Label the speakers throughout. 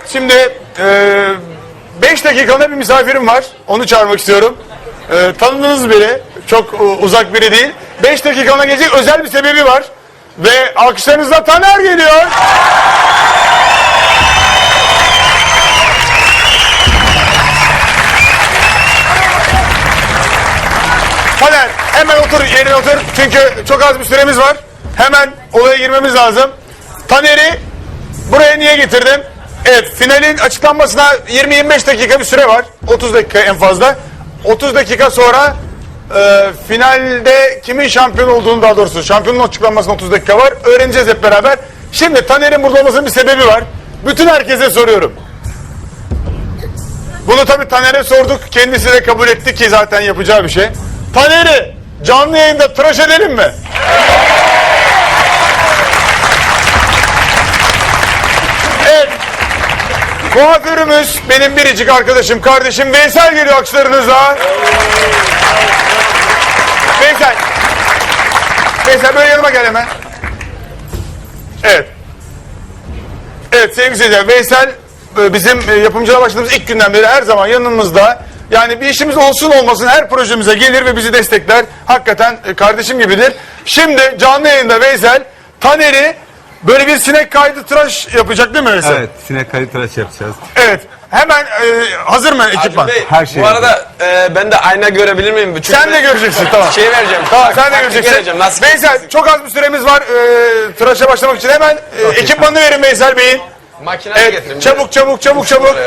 Speaker 1: Şimdi 5 dakikalığına bir misafirim var. Onu çağırmak istiyorum. Tanıdığınız biri. Çok uzak biri değil. 5 dakikalığına gelecek özel bir sebebi var. Ve alkışlarınızla Taner geliyor. Taner hemen otur, yerine otur. Çünkü çok az bir süremiz var. Hemen olaya girmemiz lazım. Taner'i buraya niye getirdim? Evet, finalin açıklanmasına 20-25 dakika bir süre var. 30 dakika en fazla. 30 dakika sonra finalde kimin şampiyon olduğunu, daha doğrusu şampiyonun açıklanmasına 30 dakika var. Öğreneceğiz hep beraber. Şimdi Taner'in burada olmasının bir sebebi var. Bütün herkese soruyorum. Bunu tabii Taner'e sorduk. Kendisi de kabul etti ki zaten yapacağı bir şey. Taner'i canlı yayında tıraş edelim mi? Evet. Kuaförümüz benim biricik arkadaşım, kardeşim Veysel geliyor alkışlarınızla. Veysel. Veysel böyle yanıma gel hemen. Evet. Evet sevgili seyirciler, Veysel bizim yapımcılığa başladığımız ilk günden beri her zaman yanımızda. Yani bir işimiz olsun olmasın her projemize gelir ve bizi destekler. Hakikaten kardeşim gibidir. Şimdi canlı yayında Veysel Taner'i böyle bir sinek kaydı tıraş yapacak değil mi Veysel?
Speaker 2: Evet, sinek kaydı tıraş yapacağız.
Speaker 1: Evet. Hemen hazır mı ekipman?
Speaker 3: Bey,
Speaker 2: Her şey
Speaker 3: bu arada ben de ayna görebilir miyim? Çünkü
Speaker 1: Sen de göreceksin, tamam.
Speaker 3: Şey vereceğim.
Speaker 1: Tamam, sen de
Speaker 3: taktik
Speaker 1: göreceksin.
Speaker 3: vereceğim, nasıl
Speaker 1: Veysel çok az bir süremiz var tıraşa başlamak için. Hemen ekipmanını verin Veysel Bey'in.
Speaker 3: Makineyi
Speaker 1: Evet,
Speaker 3: getirin.
Speaker 1: çabuk.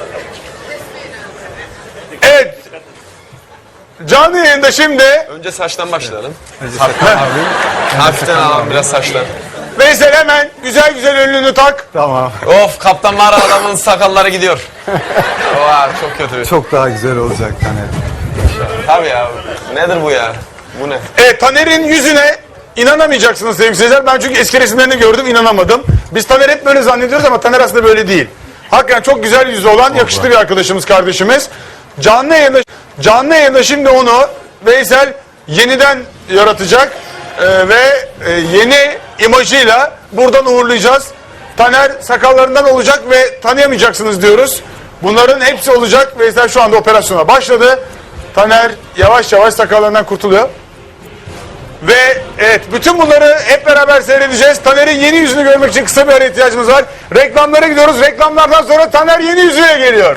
Speaker 1: Evet. Canlı yayında şimdi
Speaker 3: Önce saçtan başlayalım.
Speaker 2: Sakın abi.
Speaker 3: Hafiften alalım biraz saçtan.
Speaker 1: Veysel hemen güzel önlüğünü tak.
Speaker 2: Tamam.
Speaker 3: Of, kaptan mağara adamın sakalları gidiyor. Oha, çok kötü.
Speaker 2: Çok daha güzel olacak Taner.
Speaker 3: Tabii ya. Nedir bu ya? Bu ne?
Speaker 1: Evet, Taner'in yüzüne inanamayacaksınız sevgili seyirciler. Ben çünkü eski resimlerini gördüm, inanamadım. Biz Taner hep böyle zannediyoruz ama Taner aslında böyle değil. Hakikaten çok güzel yüzü olan yakışıklı bir arkadaşımız, kardeşimiz. Canlı yayında şimdi onu Veysel yeniden yaratacak ve yeni imajıyla buradan uğurlayacağız. Taner sakallarından olacak ve tanıyamayacaksınız diyoruz. Bunların hepsi olacak. Veysel şu anda operasyona başladı. Taner yavaş sakallarından kurtuluyor. Ve evet, bütün bunları hep beraber seyredeceğiz. Taner'in yeni yüzünü görmek için kısa bir ara ihtiyacımız var. Reklamlara gidiyoruz. Reklamlardan sonra Taner yeni yüzüyle geliyor.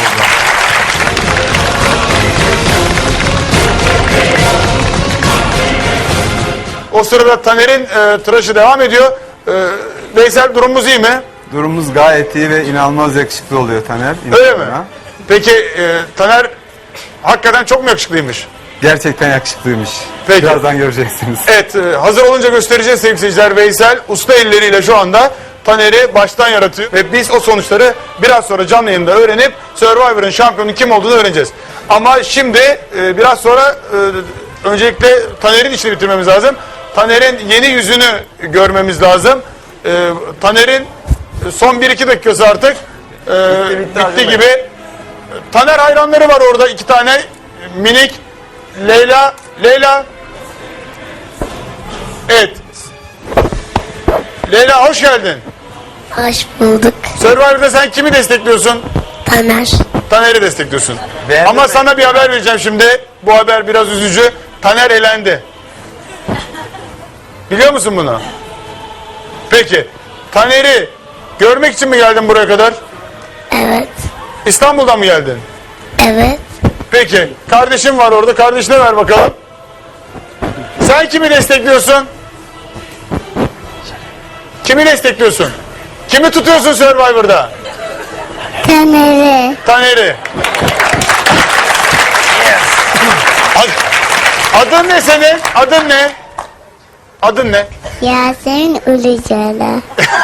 Speaker 1: O sırada Taner'in tıraşı devam ediyor. Veysel, durumumuz iyi mi?
Speaker 2: Durumumuz gayet iyi ve inanılmaz yakışıklı oluyor Taner.
Speaker 1: Öyle mi?
Speaker 2: İnsanına.
Speaker 1: Peki Taner hakikaten çok mu yakışıklıymış?
Speaker 2: Gerçekten yakışıklıymış.
Speaker 1: Peki.
Speaker 2: Birazdan göreceksiniz.
Speaker 1: Evet, hazır olunca göstereceğiz sevgili seyirciler. Veysel usta elleriyle şu anda Taner'i baştan yaratıyor. Ve biz o sonuçları biraz sonra canlı yayında öğrenip Survivor'ın şampiyonu kim olduğunu öğreneceğiz. Ama şimdi biraz sonra öncelikle Taner'in işini bitirmemiz lazım. Taner'in yeni yüzünü görmemiz lazım. Taner'in son 1-2 dakikası artık bitti gibi. Taner hayranları var orada, 2 tane minik. Leyla. Evet. Leyla, hoş geldin.
Speaker 4: Hoş bulduk.
Speaker 1: Survivor'da sen kimi destekliyorsun?
Speaker 4: Taner.
Speaker 1: Taner'i destekliyorsun.
Speaker 3: Beğendin
Speaker 1: Ama
Speaker 3: mi?
Speaker 1: sana bir haber vereceğim şimdi. Bu haber biraz üzücü. Taner elendi. Biliyor musun bunu? Peki. Taner'i görmek için mi geldin buraya kadar?
Speaker 4: Evet.
Speaker 1: İstanbul'dan mı geldin?
Speaker 4: Evet.
Speaker 1: Peki. Kardeşim var orada. Kardeşine ver bakalım. Sen kimi destekliyorsun? Kimi destekliyorsun? Kimi tutuyorsun Survivor'da?
Speaker 4: Taner'i.
Speaker 1: Taner'i. Adın ne senin? Adın ne? Adın ne?
Speaker 4: Yasemin Ulucalı.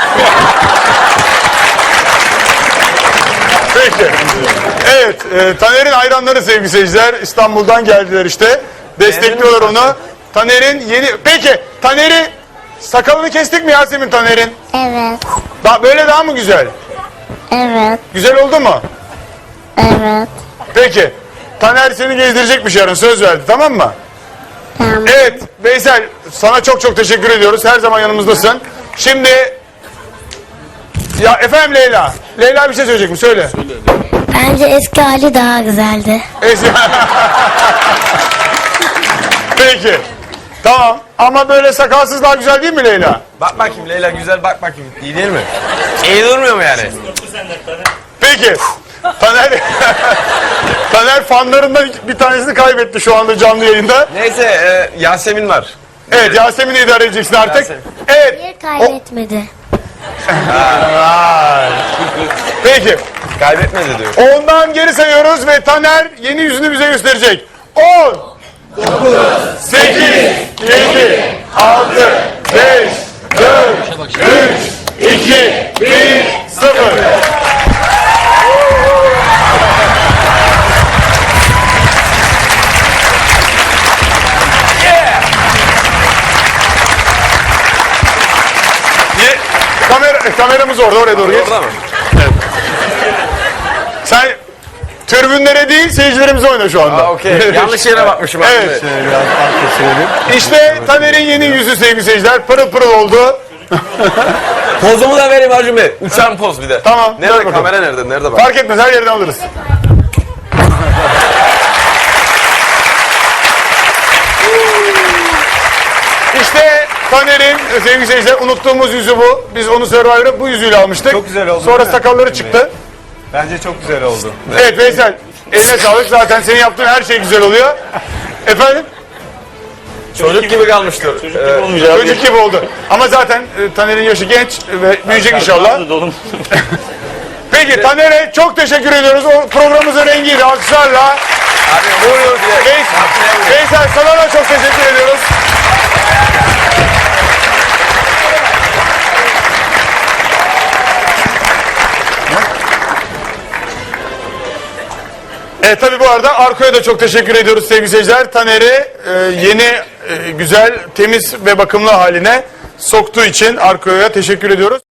Speaker 1: Peki. Evet, Taner'in hayranları sevgili seyirciler. İstanbul'dan geldiler işte. Destekliyorlar onu. Taner'in yeni... Peki, Taner'i... Sakalını kestik mi Yasemin Taner'in?
Speaker 4: Evet.
Speaker 1: Böyle daha mı güzel?
Speaker 4: Evet.
Speaker 1: Güzel oldu mu?
Speaker 4: Evet.
Speaker 1: Peki. Taner seni gezdirecekmiş yarın, söz verdi, tamam mı?
Speaker 4: Tamam.
Speaker 1: Evet Veysel, sana çok teşekkür ediyoruz. Her zaman yanımızdasın. Şimdi Ya efendim Leyla. Leyla bir şey söyleyecek mi? Söyle.
Speaker 4: Bence eski hali daha güzeldi.
Speaker 1: Peki. Tamam. Ama böyle sakalsız daha güzel değil mi Leyla?
Speaker 3: Bak bakayım Leyla güzel bak bakayım. İyi değil mi? İyi durmuyor mu yani?
Speaker 1: Peki. Taner Taner fanlarından bir tanesini kaybetti şu anda canlı yayında.
Speaker 3: Neyse Yasemin var.
Speaker 1: Evet, Yasemin'i idare edeceksin artık.
Speaker 3: Yasemin.
Speaker 1: Evet.
Speaker 4: Bir kaybetmedi.
Speaker 1: Peki.
Speaker 3: Kaybetmedi diyor.
Speaker 1: Ondan geri sayıyoruz ve Taner yeni yüzünü bize gösterecek. 10 9 8 7 6 5 4 3 2 1 0. Kameramız orada, oraya doğru geç.
Speaker 3: Orada mı?
Speaker 1: Sen tribünlere değil seyircilerimize oyna şu anda.
Speaker 3: Aa, okey. Yanlış yere bakmışım.
Speaker 1: Evet.
Speaker 3: aslında.
Speaker 2: Şöyle biraz arka çevirip.
Speaker 1: İşte Taner'in yeni yüzü sevgili seyirciler. Pırıl pırıl oldu.
Speaker 3: Pozumu da vereyim Hacım Bey. Uçan poz bir de.
Speaker 1: Tamam, ver
Speaker 3: Nerede
Speaker 1: bakalım.
Speaker 3: kamera nerede? Nerede bak?
Speaker 1: Fark etmez, her yerden alırız. İşte Taner'in sevgili seyirciler unuttuğumuz yüzü bu. Biz onu Survivor'a bu yüzüyle almıştık.
Speaker 2: Çok güzel oldu,
Speaker 1: Sonra
Speaker 2: değil mi?
Speaker 1: sakalları çıktı.
Speaker 2: Bence çok güzel oldu.
Speaker 1: Evet Veysel, eline sağlık. Zaten senin yaptığın her şey güzel oluyor. Efendim?
Speaker 3: Çocuk gibi kalmıştır.
Speaker 1: Çocuk gibi oldu. Ama zaten Taner'in yaşı genç ve büyüyecek inşallah. Peki Taner'e çok teşekkür ediyoruz. O programımızın rengiydi. Alkışlarla.
Speaker 3: Abi vuruyor diye.
Speaker 1: Veysel sana da çok teşekkür ediyoruz. Tabii bu arada Arko'ya da çok teşekkür ediyoruz sevgili seyirciler. Taner'i yeni, güzel, temiz ve bakımlı haline soktuğu için Arko'ya teşekkür ediyoruz.